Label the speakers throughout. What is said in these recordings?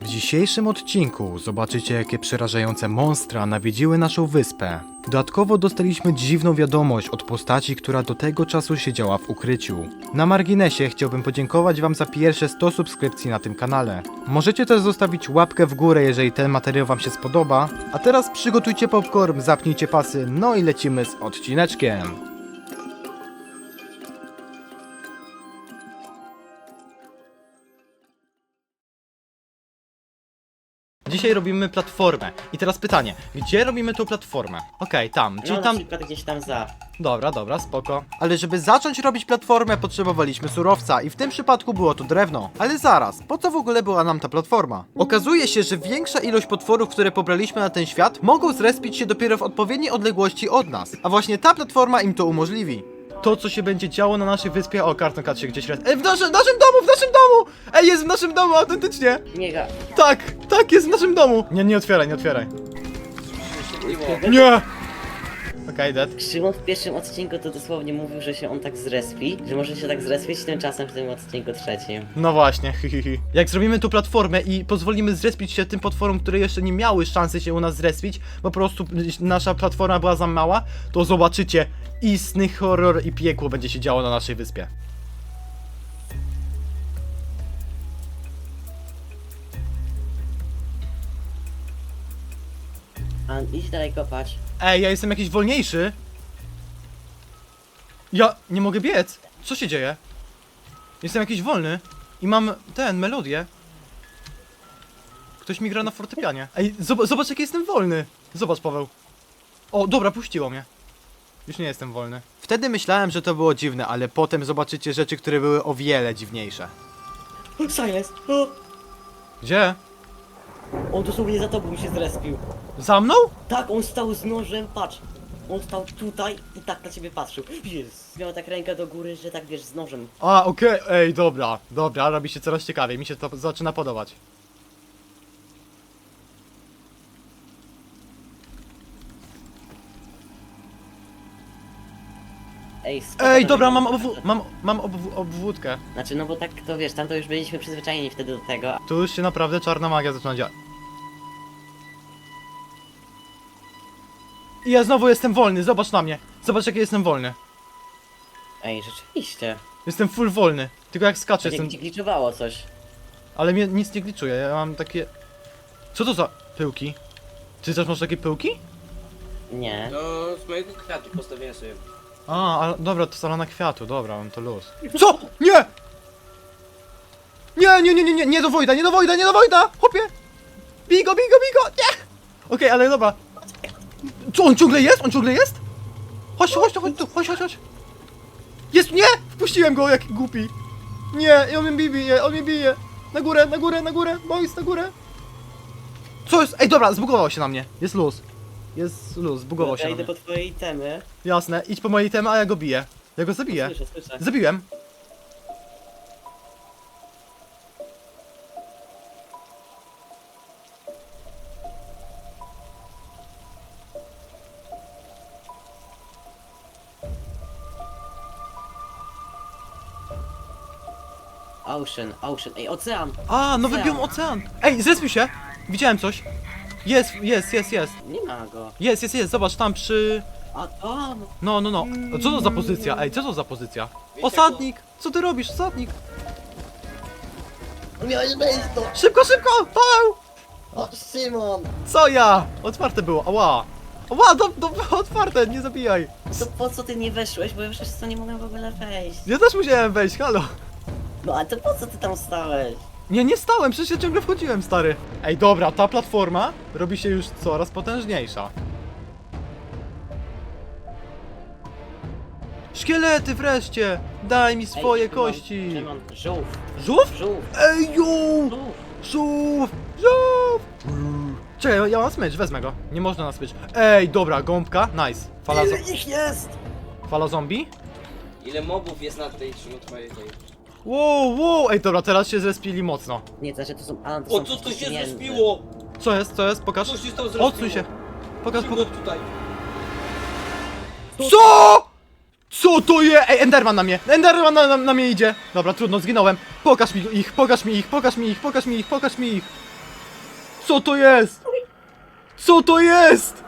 Speaker 1: W dzisiejszym odcinku zobaczycie, jakie przerażające monstra nawiedziły naszą wyspę. Dodatkowo dostaliśmy dziwną wiadomość od postaci, która do tego czasu siedziała w ukryciu. Na marginesie chciałbym podziękować wam za pierwsze 100 subskrypcji na tym kanale. Możecie też zostawić łapkę w górę, jeżeli ten materiał wam się spodoba. A teraz przygotujcie popcorn, zapnijcie pasy, no i lecimy z odcineczkiem. Dzisiaj robimy platformę. I teraz pytanie, gdzie robimy tą platformę? Okej, tam, czyli
Speaker 2: No
Speaker 1: tam...
Speaker 2: na przykład gdzieś tam za.
Speaker 1: Dobra, spoko. Ale żeby zacząć robić platformę, potrzebowaliśmy surowca i w tym przypadku było to drewno. Ale zaraz, po co w ogóle była nam ta platforma? Okazuje się, że większa ilość potworów, które pobraliśmy na ten świat, mogą zrespić się dopiero w odpowiedniej odległości od nas. A właśnie ta platforma im to umożliwi. To, co się będzie działo na naszej wyspie... O, karton się gdzieś res... Ej, w naszym domu! Ej, jest w naszym domu, autentycznie!
Speaker 2: Niega.
Speaker 1: Tak, jest w naszym domu! Nie otwieraj. Nie! Okej, dead.
Speaker 2: Szymon w pierwszym odcinku to dosłownie mówił, że się on tak zrespi, że może się tak zrespić, tymczasem w tym odcinku trzecim.
Speaker 1: No właśnie, Jak zrobimy tu platformę i pozwolimy zrespić się tym potworom, które jeszcze nie miały szansy się u nas zrespić, bo po prostu nasza platforma była za mała, to zobaczycie, istny horror i piekło będzie się działo na naszej wyspie.
Speaker 2: A idź dalej kopać.
Speaker 1: Ej, ja jestem jakiś wolniejszy. Ja nie mogę biec. Co się dzieje? Jestem jakiś wolny i mam melodię. Ktoś mi gra na fortepianie. Ej, zobacz jaki jestem wolny. Zobacz, Paweł. O, dobra, puściło mnie. Już nie jestem wolny. Wtedy myślałem, że to było dziwne, ale potem zobaczycie rzeczy, które były o wiele dziwniejsze.
Speaker 2: O, Silence! O!
Speaker 1: Gdzie?
Speaker 2: On dosłownie za tobą się zrespił.
Speaker 1: Za mną?
Speaker 2: Tak, on stał z nożem, patrz. On stał tutaj i tak na ciebie patrzył. Jest. Miał tak rękę do góry, że tak wiesz, z nożem.
Speaker 1: A, okej, ej, dobra, robi się coraz ciekawiej, mi się to zaczyna podobać.
Speaker 2: Ej, spoko,
Speaker 1: Ej,
Speaker 2: to
Speaker 1: dobra,
Speaker 2: wygląda-
Speaker 1: mam obwódkę.
Speaker 2: Znaczy, no bo tak to wiesz, tam to już byliśmy przyzwyczajeni wtedy do tego.
Speaker 1: Tu już się naprawdę czarna magia zaczyna działać. I ja znowu jestem wolny, zobacz na mnie. Zobacz jaki jestem wolny.
Speaker 2: Ej, rzeczywiście.
Speaker 1: Jestem full wolny. Tylko jak skaczę
Speaker 2: Tak
Speaker 1: jestem...
Speaker 2: jak ci gliczowało coś.
Speaker 1: Ale mnie nic nie gliczuje, ja mam takie... Co to za pyłki? Ty też masz takie pyłki?
Speaker 2: Nie.
Speaker 3: No, z mojego kwiatu postawiłem sobie.
Speaker 1: A, ale dobra, to salona kwiatu, dobra, mam to luz. Co? Nie! Nie do Wojda, chłopie! Bij go, nie! Okej, ale dobra. Co, on ciągle jest? Chodź tu, chodź. Jest, nie! Wpuściłem go, jaki głupi. Nie, i on mnie bije. Na górę, boys, na górę. Co jest? Ej, dobra, zbugował się na mnie. Jest luz, zbugował się
Speaker 2: Ja
Speaker 1: na
Speaker 2: idę
Speaker 1: mnie.
Speaker 2: po twojej temy.
Speaker 1: Jasne, idź po mojej temy, a ja go biję. Ja go zabiję.
Speaker 2: Słyszę.
Speaker 1: Zabiłem.
Speaker 2: Ocean. Ej, ocean!
Speaker 1: A, nowy
Speaker 2: Ocean.
Speaker 1: biom ocean. Ej, zrespił się. Widziałem coś. Jest.
Speaker 2: Nie ma go.
Speaker 1: Jest, zobacz tam przy...
Speaker 2: A tam!
Speaker 1: No. Co to za pozycja? Ej, co to za pozycja?
Speaker 3: Wiecie,
Speaker 1: Osadnik! Co ty robisz, osadnik?
Speaker 2: Miałeś wejść to!
Speaker 1: Szybko! Paweł!
Speaker 2: O, Szymon!
Speaker 1: Co ja? Otwarte było, ała! Otwarte, nie zabijaj!
Speaker 2: To po co ty nie weszłeś? Bo ja przez to nie mogłem w ogóle wejść.
Speaker 1: Ja też musiałem wejść, halo!
Speaker 2: No a to po co ty tam stałeś?
Speaker 1: Nie stałem, przecież ja ciągle wchodziłem, stary. Ej, dobra, ta platforma robi się już coraz potężniejsza. Szkielety wreszcie! Daj mi swoje kości!
Speaker 2: Szymon, żółw!
Speaker 1: Żółw?
Speaker 2: Żółw!
Speaker 1: Ej, jo!
Speaker 2: Żółw!
Speaker 1: Żółw! Czekaj, ja mam smycz, wezmę go. Nie można na smycz. Ej, dobra, gąbka, nice.
Speaker 2: Ile ich jest?
Speaker 1: Fala zombie?
Speaker 3: Ile mobów jest na tej twojej tej?
Speaker 1: Wow, ej, dobra, teraz się zrespili mocno.
Speaker 2: Nie, to znaczy to są... A, to
Speaker 3: O,
Speaker 2: są
Speaker 3: co to się
Speaker 2: pieniędzy.
Speaker 3: zrespiło?
Speaker 1: Co jest, Pokaż.
Speaker 3: Co się tam zrespiło?
Speaker 1: Odsuń się. Pokaż.
Speaker 3: Szybko tutaj.
Speaker 1: Co? Co to jest? Ej, Enderman na mnie! Enderman na mnie idzie! Dobra, trudno, zginąłem. Pokaż mi ich. Co to jest? Co to jest?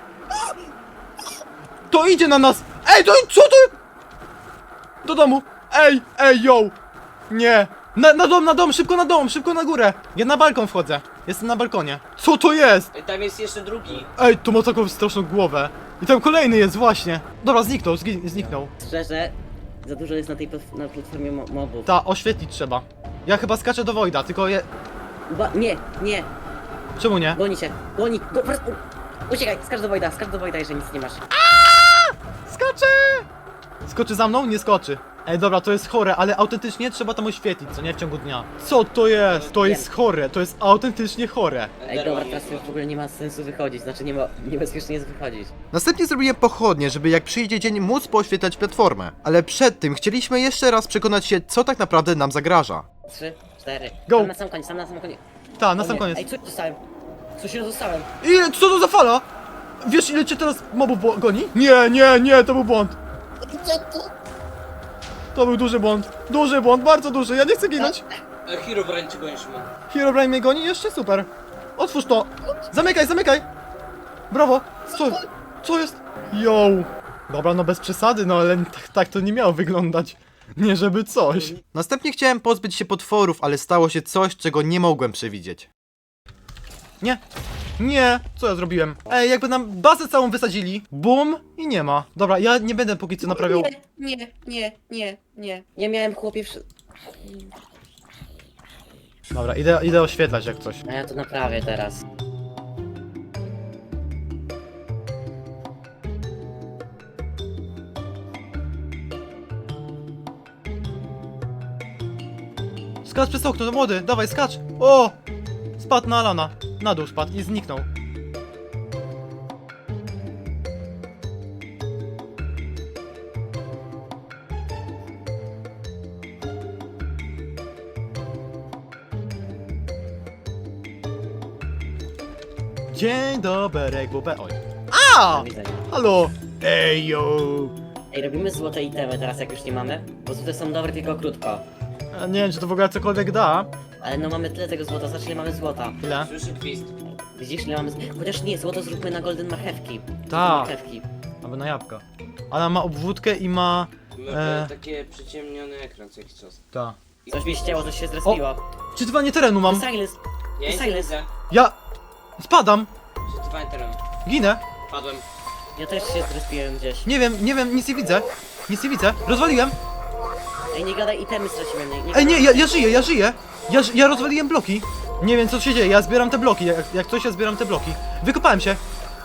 Speaker 1: To idzie na nas! Ej, co to? Do domu! Ej, yo! Nie! Na dom, szybko na górę! Ja na balkon wchodzę. Jestem na balkonie. Co to jest?
Speaker 3: Ej, tam jest jeszcze drugi.
Speaker 1: Ej, to ma taką straszną głowę. I tam kolejny jest, właśnie. Dobra, zniknął.
Speaker 2: Szczerze, za dużo jest na platformie mobów.
Speaker 1: Ta, oświetlić trzeba. Ja chyba skaczę do Wojda, tylko je...
Speaker 2: Nie,
Speaker 1: Czemu nie?
Speaker 2: goni, po prostu... Uciekaj, skacz do Wojda, jeżeli nic nie masz.
Speaker 1: Skacze! Skoczy za mną? Nie skoczy. Ej, dobra, to jest chore, ale autentycznie trzeba tam oświetlić, co nie? W ciągu dnia. Co to jest? To jest chore, to jest autentycznie chore.
Speaker 2: Ej, dobra, teraz już w ogóle nie ma sensu wychodzić, znaczy niebezpiecznie jest wychodzić.
Speaker 1: Następnie zrobiłem pochodnie, żeby jak przyjdzie dzień móc poświetlać platformę. Ale przed tym chcieliśmy jeszcze raz przekonać się, co tak naprawdę nam zagraża.
Speaker 2: 3, 4.
Speaker 1: Go.
Speaker 2: Tam na sam koniec.
Speaker 1: Ta, na
Speaker 2: O
Speaker 1: sam
Speaker 2: nie,
Speaker 1: koniec.
Speaker 2: Ej, coś dostałem. Coś się dostałem.
Speaker 1: Ile? Co to za fala? Wiesz, ile cię teraz mobów goni? Nie, to był błąd. To był duży błąd, bardzo duży, ja nie chcę ginąć.
Speaker 3: Herobrine ci gonisz mu.
Speaker 1: Herobrine mnie goni? Jeszcze super. Otwórz to. Zamykaj. Brawo. Co jest? Yo. Dobra, no bez przesady, no ale tak to nie miało wyglądać. Nie żeby coś. Następnie chciałem pozbyć się potworów, ale stało się coś, czego nie mogłem przewidzieć. Nie, co ja zrobiłem? Ej, jakby nam bazę całą wysadzili. Bum i nie ma. Dobra, ja nie będę póki co naprawiał.
Speaker 2: Nie. Ja miałem chłopie
Speaker 1: Dobra, idę oświetlać jak coś.
Speaker 2: A ja to naprawię teraz.
Speaker 1: Skacz przez okno, to młody, dawaj, skacz! O! Spadł na Alana. Na dół spadł i zniknął. Dzień dobry, bubę. Oj. A!
Speaker 2: Do widzenia.
Speaker 1: Halo! Ej, yo!
Speaker 2: Ej, robimy złote itemy teraz, jak już nie mamy? Bo złote są dobre tylko krótko.
Speaker 1: A nie wiem, czy to w ogóle cokolwiek da.
Speaker 2: Ale no mamy tyle tego złota, zobacz ile mamy złota.
Speaker 1: Ile?
Speaker 3: Słyszę gwizd.
Speaker 2: Widzisz ile mamy Chociaż nie, złoto zróbmy na golden marchewki.
Speaker 1: Tak.
Speaker 2: Marchewki.
Speaker 1: Albo na jabłka. Ona ma obwódkę i ma...
Speaker 3: Mamy takie przyciemniony ekran co jakiś czas.
Speaker 1: Ta.
Speaker 2: Coś mi ścięło, coś się zrespiło.
Speaker 1: Czytywanie terenu mam.
Speaker 2: Silence!
Speaker 3: Ja nic nie
Speaker 2: Silence.
Speaker 3: widzę.
Speaker 1: Ja... Spadam!
Speaker 3: Przetrwanie terenu.
Speaker 1: Ginę!
Speaker 3: Padłem.
Speaker 2: Ja też się zrespiłem gdzieś.
Speaker 1: Nie wiem, nic nie widzę. Rozwaliłem.
Speaker 2: Ej, nie gadaj, itemy straciłem, nie
Speaker 1: Ej,
Speaker 2: gadaj.
Speaker 1: nie, ja żyję. Ja rozwaliłem bloki. Nie wiem co się dzieje, ja zbieram te bloki. Jak coś, ja zbieram te bloki. Wykopałem się.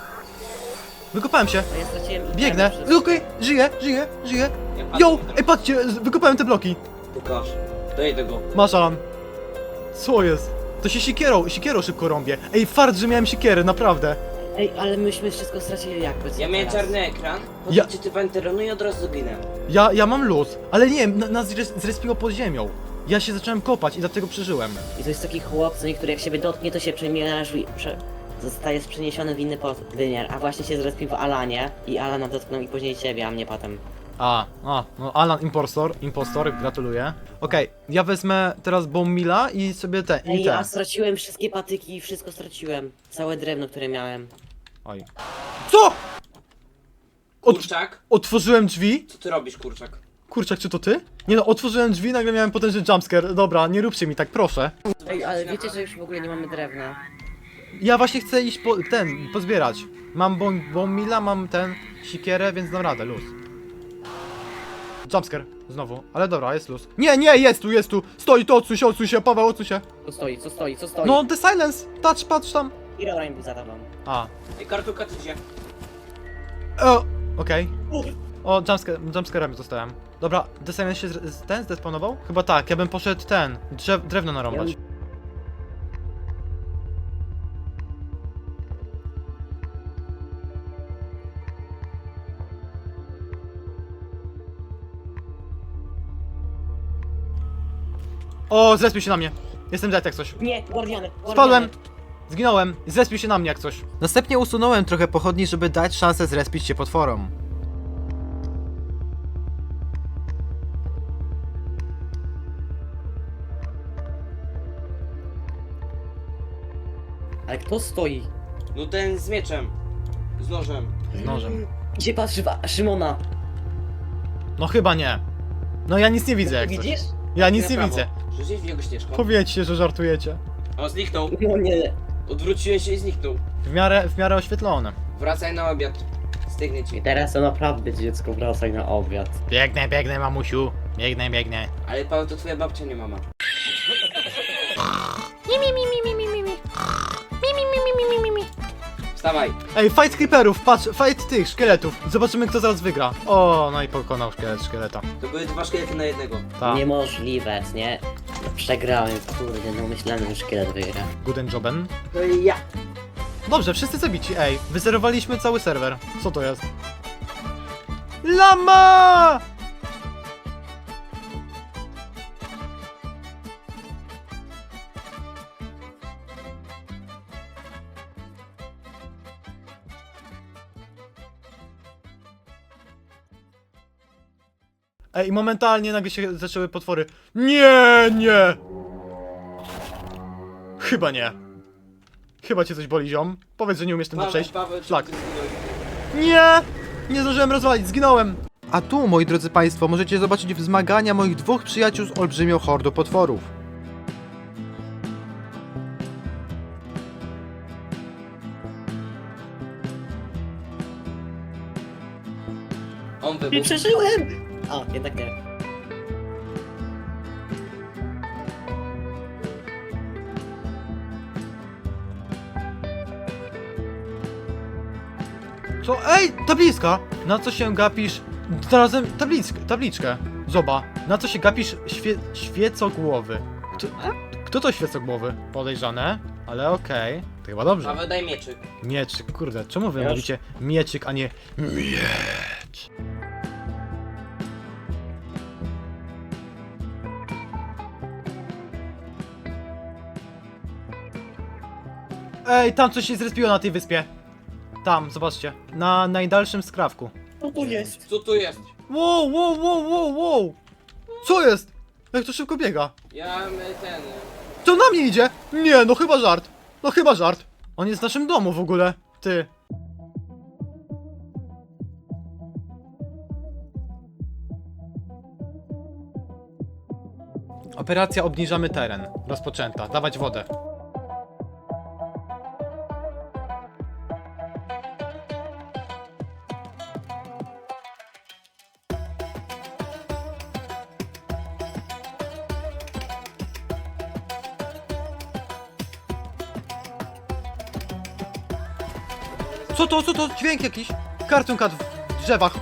Speaker 2: No ja straciłem itemy
Speaker 1: Biegnę.
Speaker 2: przez-
Speaker 1: Okej, żyję.
Speaker 3: Ja
Speaker 1: Yo,
Speaker 3: padłem.
Speaker 1: ej patrzcie, wykopałem te bloki.
Speaker 3: Pokaż. Dojdę go.
Speaker 1: Masz, Alan. Co jest? To się sikierą szybko rąbie. Ej, fart, że miałem sikierę, naprawdę.
Speaker 2: Ej, ale myśmy wszystko stracili jakby.
Speaker 3: Ja miałem
Speaker 2: teraz.
Speaker 3: czarny ekran,
Speaker 1: Ja-
Speaker 3: potem czytywanie terenu i od razu ginę.
Speaker 1: Ja mam luz, ale nie wiem, nas zrespiło pod ziemią. Ja się zacząłem kopać i dlatego przeżyłem.
Speaker 2: I to jest taki chłop, co niektóry jak siebie dotknie, to się zostaje przeniesiony w inny wymiar, a właśnie się zrespił w Alanie i Alana dotknął i później ciebie, a mnie potem.
Speaker 1: No Alan impostor, gratuluję. Okej, ja wezmę teraz Bombmila i sobie
Speaker 2: Ej, ja straciłem wszystkie patyki i wszystko straciłem. Całe drewno, które miałem.
Speaker 1: Oj. Co?
Speaker 3: Kurczak?
Speaker 1: Otworzyłem drzwi?
Speaker 3: Co ty robisz, kurczak?
Speaker 1: Kurczak, czy to ty? Nie no, otworzyłem drzwi, nagle miałem potężny jumpscare. Dobra, nie róbcie mi tak, proszę.
Speaker 2: Ej, ale wiecie, że już w ogóle nie mamy drewna.
Speaker 1: Ja właśnie chcę iść pozbierać. Mam Bombmila, mam sikierę, więc dam radę, luz. Jumpscare, znowu, ale dobra, jest luz. Nie, jest tu. Stoi, to odsuń się, Paweł, odsuń się.
Speaker 2: Co stoi?
Speaker 1: No, the silence, patrz tam.
Speaker 2: Herobrine był za tobą.
Speaker 1: A,
Speaker 3: Ej, kartulka ty się.
Speaker 1: okej. O, jumpscarem zostałem. Dobra, the silence się zdespawnował? Chyba tak, ja bym poszedł drewno narąbać. O, zrespił się na mnie. Jestem dead jak coś.
Speaker 2: Nie, Guardiany.
Speaker 1: Spadłem! Zginąłem. Zrespił się na mnie jak coś. Następnie usunąłem trochę pochodni, żeby dać szansę zrespić się potworom.
Speaker 2: Ale kto stoi?
Speaker 3: No ten z mieczem. Z nożem.
Speaker 1: Z nożem.
Speaker 2: Gdzie patrzy Szymona?
Speaker 1: No chyba nie. No ja nic nie widzę jak coś.
Speaker 2: Widzisz?
Speaker 1: Ja nic
Speaker 3: Na
Speaker 1: nie
Speaker 3: prawo.
Speaker 1: widzę.
Speaker 3: Rzuciłeś w niego ścieżką.
Speaker 1: Powiedzcie, że żartujecie.
Speaker 3: O, zniknął.
Speaker 2: No nie.
Speaker 3: Odwróciłem się i zniknął.
Speaker 1: W miarę oświetlone.
Speaker 3: Wracaj na obiad. Stygnie
Speaker 2: I
Speaker 3: ci.
Speaker 2: teraz to naprawdę dziecko wracaj na obiad.
Speaker 1: Biegnę, mamusiu. Biegnę.
Speaker 3: Ale Paweł, to twoja babcia, nie mama. Wstawaj.
Speaker 1: Ej, fight creeperów, patrz, fight tych szkieletów. Zobaczymy kto zaraz wygra. O, no i pokonał szkieleta.
Speaker 3: To były 2 szkielety na jednego.
Speaker 1: Tak.
Speaker 2: Niemożliwe, nie? No, przegrałem, kurde, no myślałem, że szkielet wygra.
Speaker 1: Guten joben.
Speaker 3: To i ja.
Speaker 1: Dobrze, wszyscy zabici. Ej, wyzerowaliśmy cały serwer. Co to jest? Lama! Ej, i momentalnie nagle się zaczęły potwory. Nie! Chyba nie. Chyba cię coś boli, ziom. Powiedz, że nie umiesz tym przejść.
Speaker 3: Paweł,
Speaker 1: Szlak.
Speaker 3: ty zginąłeś?
Speaker 1: Nie! Nie zdążyłem rozwalić, zginąłem! A tu, moi drodzy państwo, możecie zobaczyć wzmagania moich dwóch przyjaciół z olbrzymią hordą potworów.
Speaker 3: On
Speaker 2: Nie
Speaker 3: wybuchł.
Speaker 2: przeżyłem! A, jednak nie.
Speaker 1: Co? Ej, tabliczka! Na co się gapisz? Znalazłem tabliczkę. Zoba. Na co się gapisz świecogłowy? Kto to świecogłowy? Podejrzane, ale okej. To chyba dobrze.
Speaker 3: Paweł, daj mieczyk.
Speaker 1: Mieczyk, kurde, czemu wy
Speaker 2: Już?
Speaker 1: mówicie mieczyk, a nie miecz? Ej, tam coś się zrespiło na tej wyspie. Tam, zobaczcie. Na najdalszym skrawku.
Speaker 2: Co tu jest?
Speaker 3: Co tu jest?
Speaker 1: Wow! Co jest? Jak to szybko biega?
Speaker 3: Ja ten...
Speaker 1: Co na mnie idzie? Nie, no chyba żart. No chyba żart. On jest w naszym domu w ogóle. Ty. Operacja obniżamy teren. Rozpoczęta. Dawać wodę. Co to? Dźwięk jakiś? Cartoon Cat w drzewach.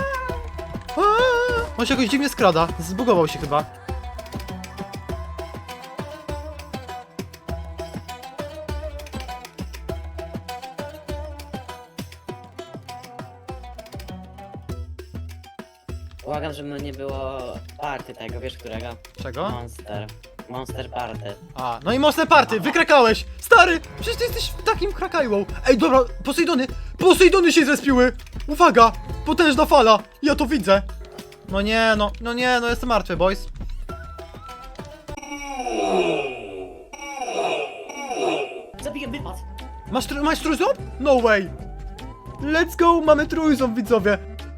Speaker 1: On się jakoś dziwnie skrada. Zbugował się chyba.
Speaker 2: Błagam, żeby nie było party tego, wiesz którego?
Speaker 1: Czego?
Speaker 2: Monster Party.
Speaker 1: A, no i mocne party, wykrakałeś! Stary, przecież ty jesteś takim krakajłą. Ej, dobra, Posejdony się zrespiły! Uwaga, potężna fala, ja to widzę. No nie, jestem martwy, boys.
Speaker 2: Zabiję wypad!
Speaker 1: Masz trójząb? No way! Let's go, mamy trójząb, widzowie.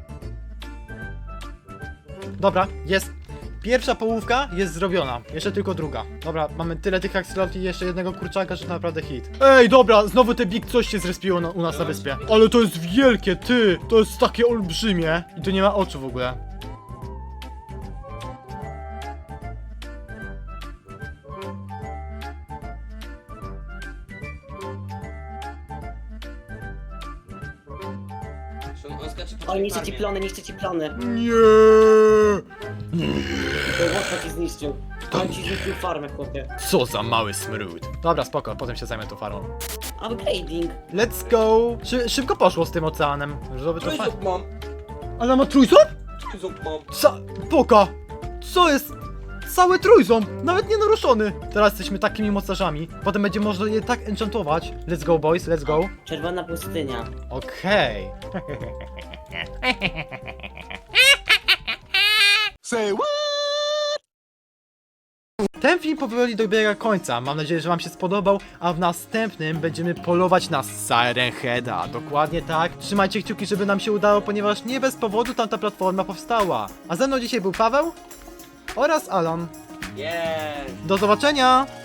Speaker 1: Dobra, jest. Pierwsza połówka jest zrobiona, jeszcze tylko druga. Dobra, mamy tyle tych akcelot i jeszcze jednego kurczaka, że to naprawdę hit. Ej, dobra, znowu te big coś się zrespiło u nas na wyspie. Ale to jest wielkie, ty! To jest takie olbrzymie. I tu nie ma oczu w ogóle.
Speaker 3: On skacze po
Speaker 2: O,
Speaker 3: tej
Speaker 2: niszczy ci
Speaker 3: farmie.
Speaker 2: plony.
Speaker 1: Nie!
Speaker 2: To łatwo ci zniszczył. On ci zniszczył farmę, chłopie.
Speaker 1: Co za mały smród. Dobra, spoko, potem się zajmę tą farmą.
Speaker 2: Upgrading.
Speaker 1: Let's go! Szybko poszło z tym oceanem. Żeby to fajnie.
Speaker 3: Trójząb mam.
Speaker 1: Ale ma trójząb?
Speaker 3: Trójząb mam.
Speaker 1: Poka! Co jest? Cały trójząb! Nawet nie naruszony! Teraz jesteśmy takimi mocarzami. Potem będzie można je tak enchantować. Let's go, boys, let's go.
Speaker 2: Czerwona pustynia.
Speaker 1: Okej. Ten film powoli dobiega końca, mam nadzieję, że wam się spodobał, a w następnym będziemy polować na Siren Heada. Dokładnie tak. Trzymajcie kciuki, żeby nam się udało, ponieważ nie bez powodu tamta platforma powstała. A ze mną dzisiaj był Paweł oraz Alan.
Speaker 3: Jest.
Speaker 1: Do zobaczenia!